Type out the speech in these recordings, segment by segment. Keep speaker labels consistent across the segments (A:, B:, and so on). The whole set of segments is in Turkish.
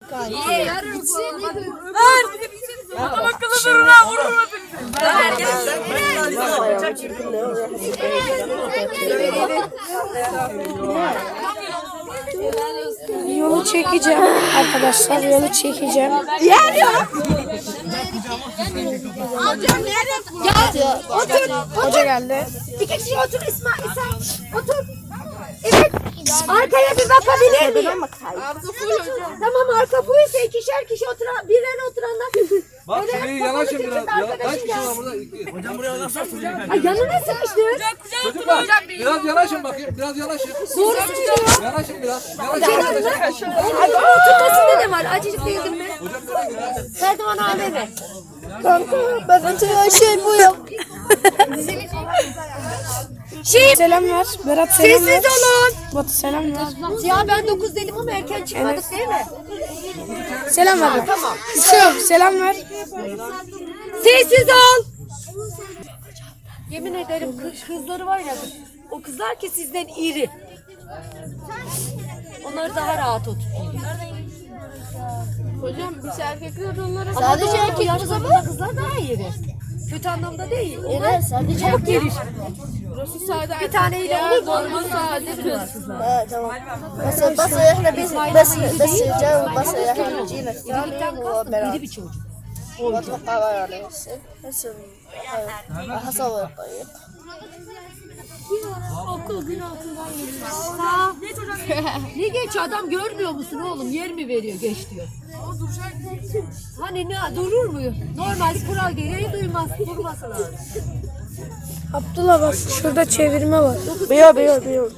A: Adam akıllı durun ha, vurun
B: Yolu çekeceğim arkadaşlar, yolu çekeceğim.
C: Ya otur.
B: Hoca geldi.
C: İki kişi otur İsmail. Otur. Evet. Arkaya bir bakabilir miyim? Tamam, arka buysa ikişer kişi oturan, birer oturanlar.
D: Bak şurayı yanaşın biraz. Kaç kişi var burada?
E: Hocam buraya nasıl
C: Ay, yanına sıkıştır.
D: Çocuklar biraz yanaşın bakayım. Biraz yanaşın. Yanaşın biraz. Yanaşın.
C: Ay, oturmasında ne var? Acıcık değildin mi? Serdivan abi mi?
B: Kanka ben hatırlayan şey bu ya. Selam ver. Berat selam ver.
C: Sessiz olun.
B: Batu selam ver.
C: Ya ben 9 dedim ama erken çıkmadık değil mi?
B: Selam ver.
C: Tamam.
B: Selam ver.
C: Sessiz ol. Yemin ederim kızları var ya, o kızlar ki sizden iri. Onları daha rahat oturtuyor.
A: Hocam biz erkekler onlara
C: Sadece erkek kızlar daha iri. Kötü anlamda değil. Onlar sadece çabuk gelir.
A: burası sade
C: Bir taneyle olur mu?
A: Normal sade kız.
F: تمام بس احنا بس الجو بس احنا جينا الثاني
C: İri bir çocuk.
F: واتوقع يعني هسه هصور طيب
C: Okul gün altından geliyor. Ne geç, adam görmüyor musun oğlum? Yer mi veriyor geç diyor. Hani ne durur mu? Normal kural gereği duymaz. Durması lazım.
B: Abdullah bak şurada çevirme var.
F: بيو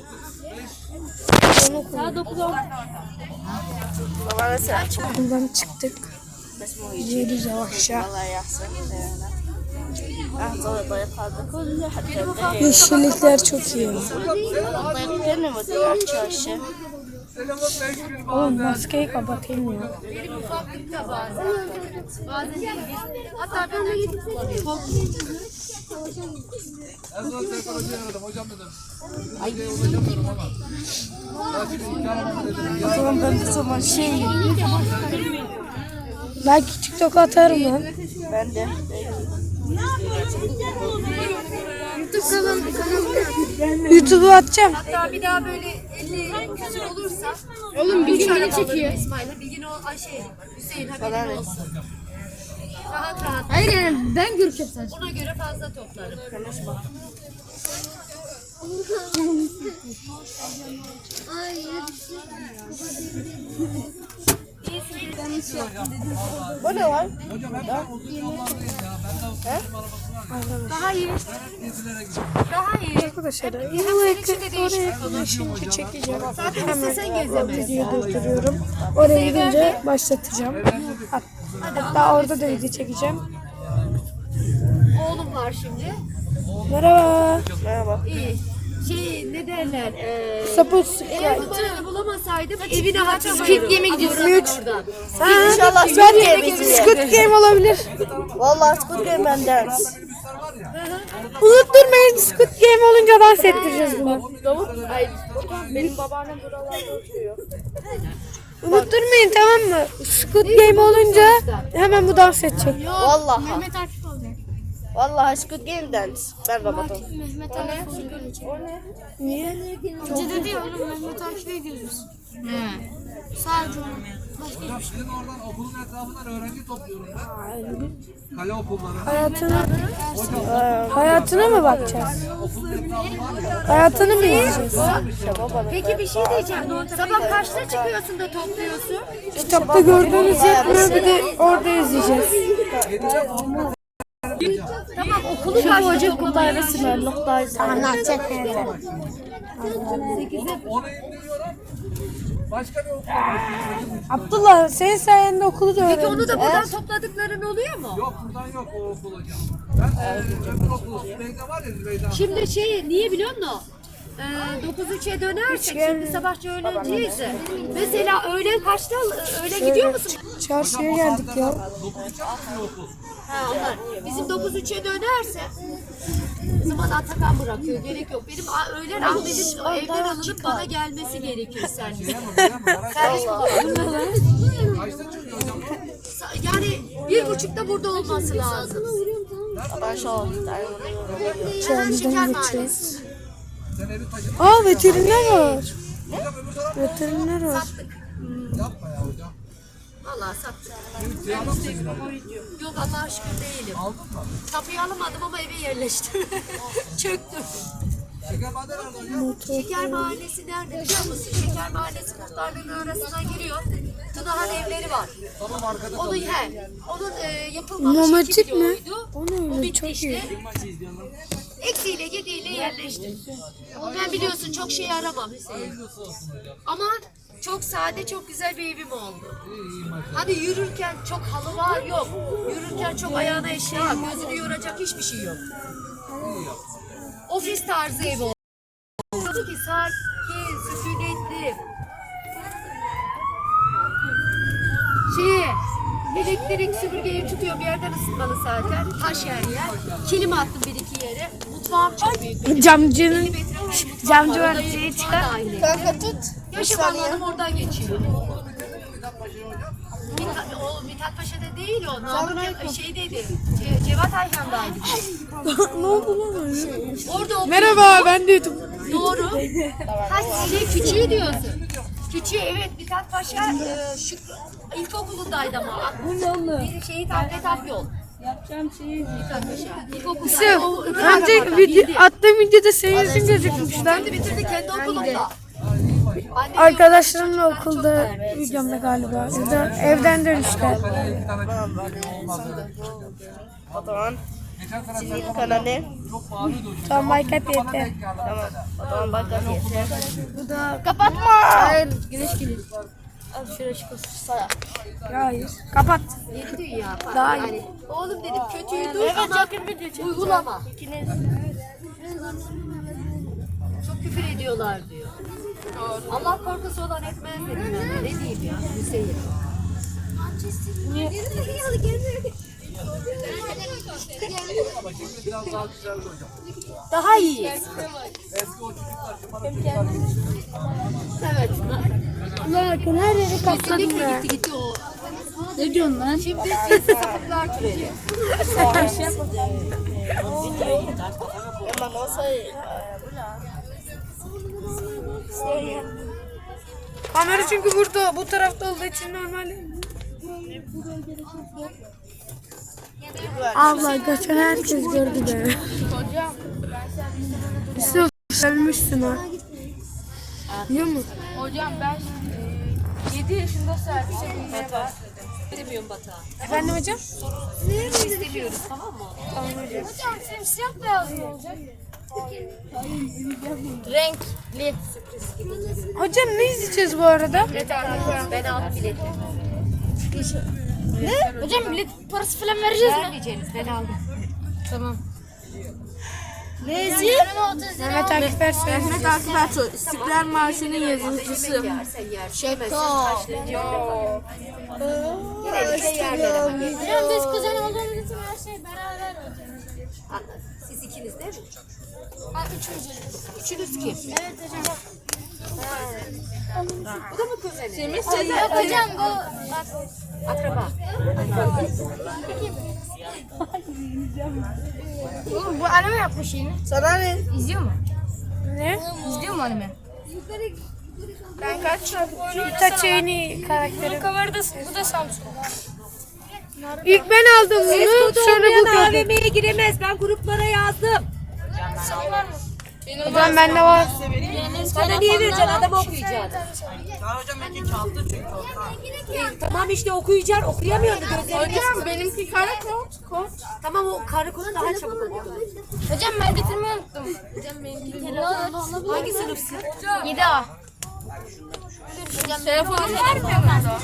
C: Saat 9:10.
F: طبعا هسه
B: Buradan çıktık. Gidiyoruz yavaşça.
F: الله يحسن احضر طيب هذا كله حتى
B: Yeşillikler çok iyi.
F: طيب كلمة مدير الشاشة
B: Oğlum maskeyi kapatayım ya.
C: Hatta ben de gidip
D: En son Serkan Hoca'yı aradım. Hocam dedim. Hoca'ya ulaşamıyorum ama. Daha şimdi imkanım dedim.
B: O zaman ben de zaman belki TikTok'a atarım lan.
F: ben de
B: YouTube'a atacağım.
C: hatta bir daha böyle 50 küsur olursa
A: Oğlum bir gün
C: çekiyor. İsmail'e Bilgin o Hüseyin haberin olsun. Rahat rahat.
A: Hayır yani ben görüşeceğim sadece.
C: Ona göre fazla toplarım.
F: bu ne var?
D: Hocam hep ben uzun yollardayım ya. Ben de arabasına
C: Daha iyi.
D: gezilere gidiyorum.
C: Daha iyi.
B: Arkadaşlar
C: Hem
B: bu
C: senin için de değişik.
B: oraya gidince çekeceğim.
C: Zaten istesen gezemezsin.
B: Videoyu durduruyorum. Oraya gidince başlatacağım. Hatta orada da video çekeceğim.
C: Oğlum var şimdi.
B: Merhaba.
C: İyi. Ne derler?
B: Sapus.
C: Eğer bu tarafa bulamasaydım evine hatırlıyorum. Squid Game'e gidiyorsun.
F: İnşallah Squid Game izleyelim.
B: Squid Game olabilir.
F: Vallahi Squid Game benden.
B: Unutturmayın, Squid Game olunca dans ettireceğiz bunu.
A: Benim babaannem buralarda oturuyor.
B: Unutturmayın, tamam mı? Squid Game olunca hemen bu dans edecek.
F: Vallahi.
A: Mehmet Akif olacak.
F: Vallahi Squid Game dance. Ben robotum.
A: Mehmet Akif olacak.
B: Niye?
A: Hoca dedi ya oğlum Mehmet Akif'e gidiyoruz biz. Sadece onu. Başka hiçbir şey.
D: Sizin oradan okulun etrafından öğrenci topluyorum ben. Kale okulları.
B: Hayatına mı bakacağız?
D: Okulun etrafı var ya.
B: Hayatını mı izleyeceğiz?
C: Peki bir şey diyeceğim. Sabah kaçta çıkıyorsun da topluyorsun?
B: Kitapta gördüğünüz yapmıyor, bir de orada izleyeceğiz.
C: Tamam, okulu kaçta topluyorsun?
B: Anlatacak neyse.
D: Onu indiriyorum. Başka bir okula başlıyorum.
B: Abdullah, senin sayende okulu da
C: Peki
B: öğrendim.
C: onu da buradan topladıkların oluyor mu?
D: Yok buradan yok o okul hocam. Ben öbür okul Zübeyde var ya Zübeyde.
C: Şimdi niye biliyor musun? 9-3'e dönersek şimdi sabahçı öğlenciyiz. Mesela öğlen kaçta öğle gidiyor musun?
B: Çarşıya geldik ya.
C: Ha onlar. Bizim 9-3'e dönerse o zaman Atakan bırakıyor. Gerek yok. Benim öğlen Ahmet'in evden alınıp bana gelmesi gerekiyor servise. Servis kullanıyor. Yani 1.30'da burada olması lazım. Hemen şeker mahallesi.
D: Sen evi taşı.
B: Aa veteriner var. Veteriner var.
D: Yapma ya hocam.
C: Vallahi sattık.
D: Benim Ceylan senin.
C: Yok Allah'a şükür değilim.
D: Aldın mı?
C: Tapuyu alamadım ama eve yerleştim. Çöktüm.
D: Şeker maden nerede hocam?
C: Şeker Mahallesi nerede biliyor musun? Şeker Mahallesi muhtarlığının arasına giriyor. Tınahan evleri var.
D: Tamam arkada
C: Onun
D: kalıyor.
C: onun yapılmamış
B: Romantik
C: 2
B: mi?
C: kiloydu.
B: O ne öyle,
C: O bitti
B: çok
C: işte.
B: iyi.
C: Eksiyle gediğiyle yerleştim. Ben biliyorsun çok şey aramam Hüseyin. Ama çok sade, çok güzel bir evim oldu. Hani yürürken çok halı var yok. Yürürken çok ayağına eşya, gözünü yoracak hiçbir şey yok. Ofis tarzı ev oldu. Ki sakin, sükunetli. Elektrik süpürgeyi tutuyor bir yerden ısıtmalı zaten. Taş yer yer. Kilim attım bir iki yere. Mutfağım çok büyük. Benim
B: Camcının
C: 50 metre var.
B: camcı var
C: Odayı
B: diye
C: mutfağı
B: çıkar.
C: da aynı.
F: Kanka tut.
C: Yaşam alanım oradan geçiyor. Mithat Paşa'da değil o. Namık şeydeydi. Cevat Ayhan'daydı.
B: Ne oldu lan öyle?
C: Orada o
B: Merhaba ben de YouTube.
C: doğru. Küçüğü diyorsun. Küçüğü evet Mithat Paşa şu ilkokulundaydı ama. Bir şehit Ahmet Akyol. Yapacağım şeyi Mithat Paşa. İlkokulda.
B: Önce video, attığım videoda senin yüzün gözükmüş lan.
C: Kendi bitirdi kendi okulunda. Annem
B: Arkadaşlarımla okulda videomda galiba. Evden dönüşler.
D: İki tane olmaz.
F: O zaman
D: Geçen sene
F: senin
D: sen
F: kanalı.
D: çok pahalıydı hocam.
B: Tamam Baykat yeter.
F: Tamam. O zaman bakalım yeter.
B: Kapatma.
F: Hayır güneş geliyor. Abi şuraya çıkıyorsun.
B: Hayır. Kapat.
C: yeni dünya.
B: Daha iyi.
C: Yani, oğlum dedim kötüyü dur ama uygulama. Çok küfür ediyorlar diyor. Allah korkusu olan etmez dedim ben de. Ne diyeyim ya Hüseyin.
D: Ama şimdi biraz daha güzeldi hocam.
C: Daha iyi.
D: Eski o çocuklar şu bana çocuklar
C: Evet.
B: Bakın her yeri kapladım
C: Kesinlikle
B: ya.
C: gitti o.
B: Ne diyorsun lan?
C: Şimdi cinsi sapıklar türedi.
F: Ama nasıl?
B: Kamera çünkü burada bu tarafta olduğu için normal. Allah geçen herkes gördü be. Yusuf ölmüşsün ha. Biliyor musun?
E: Hocam ben 7 yaşında servise binmeye başladım.
C: İstemiyorum Batuhan.
B: Efendim hocam?
C: İstemiyoruz tamam mı?
E: Hocam simsiyah beyaz mı olacak?
F: Renkli.
B: Hocam ne izleyeceğiz bu arada?
C: Ben aldım bileti.
E: Hocam bilet parası falan vereceğiz mi?
C: Vermeyeceğiniz ben aldım.
E: Tamam.
F: Neyse.
B: Mehmet Akif Ersoy.
F: Mehmet Akif Ersoy. İstiklal Marşı'nın yazıcısı.
C: Yersen yer. Şaka. Yine de yerler ama.
E: Hocam biz kuzen olduğumuz için her şey beraber olacak.
C: Siz ikiniz değil mi?
E: Ha, üçümüz.
C: Üçünüz kim?
E: Evet hocam.
C: Bu da mı kuzeni?
E: Yok hocam bu bak.
C: Akraba.
E: Oğlum bu anime yapmış yeni.
F: Sana ne?
E: İzliyor mu?
B: Ne?
E: İzliyor mu anime?
B: Ben kaç Itachi karakteri.
E: Bu da Samsun.
B: İlk ben aldım bunu. Sonra bu gördüm.
C: AVM'ye giremez. Ben gruplara yazdım.
B: Hocam bende var.
C: Sana niye vereceksin? Adam okuyacak. Tamam işte okuyacak. Okuyamıyordu gözlerini.
E: Hocam benimki kara kod.
C: Tamam o karakola daha çabuk oluyor.
E: Hocam ben getirmeyi unuttum. Hocam benimki
C: Hangi sınıfsın?
E: 7A. Hocam telefonu var mı?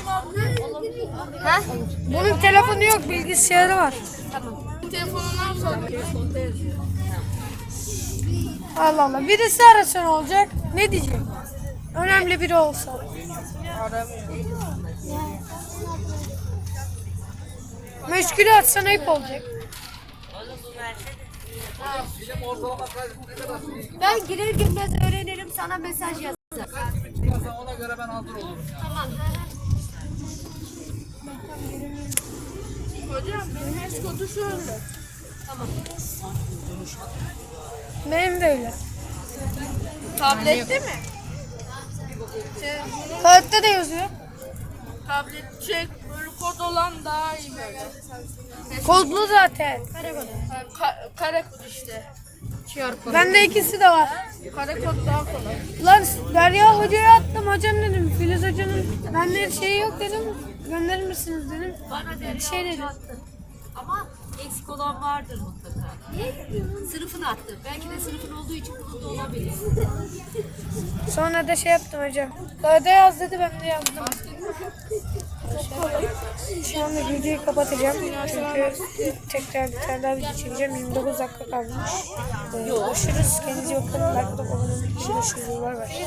E: Ha?
B: Bunun telefonu yok, bilgisayarı var.
E: Telefonun varsa
B: Allah Allah. Birisi arasa ne olacak? Ne diyecek? Önemli biri olsa. Meşgule atsan ayıp olacak.
D: Film ortalama kaç ne kadar?
C: Ben girer girmez öğrenirim, sana mesaj yazarım.
D: Çıkarsan ona göre ben hazır olurum ya.
C: Tamam.
E: Hocam benim eskotu şöyle.
B: Benim de öyle.
E: Tablette mi?
B: Kağıtta da yazıyor.
E: Tablet böyle kod olan daha iyi böyle.
B: Kodlu zaten.
E: Kare kod işte.
B: Bende ikisi de var.
E: Kare kod daha kolay.
B: Lan Derya Hoca'ya attım. Hocam dedim. Filiz Hoca'nın bende şeyi yok dedim. Gönderir misiniz dedim.
C: Bana Derya
B: Şey
C: Hoca
B: dedi.
C: attı. Ama eksik olan vardır mutlaka. Sınıfını attı. Belki de sınıfın olduğu için bunun da olabilir.
B: Sonra da şey yaptım hocam. Kağıda yaz dedi, ben de yazdım. Şu anda videoyu kapatacağım. Çünkü tekrar bir tane daha video çekeceğim. 29 dakika kalmış. Görüşürüz. Kendinize bakın. Like atıp abone olmayı unutmayın. Görüşürüz. Bay bay.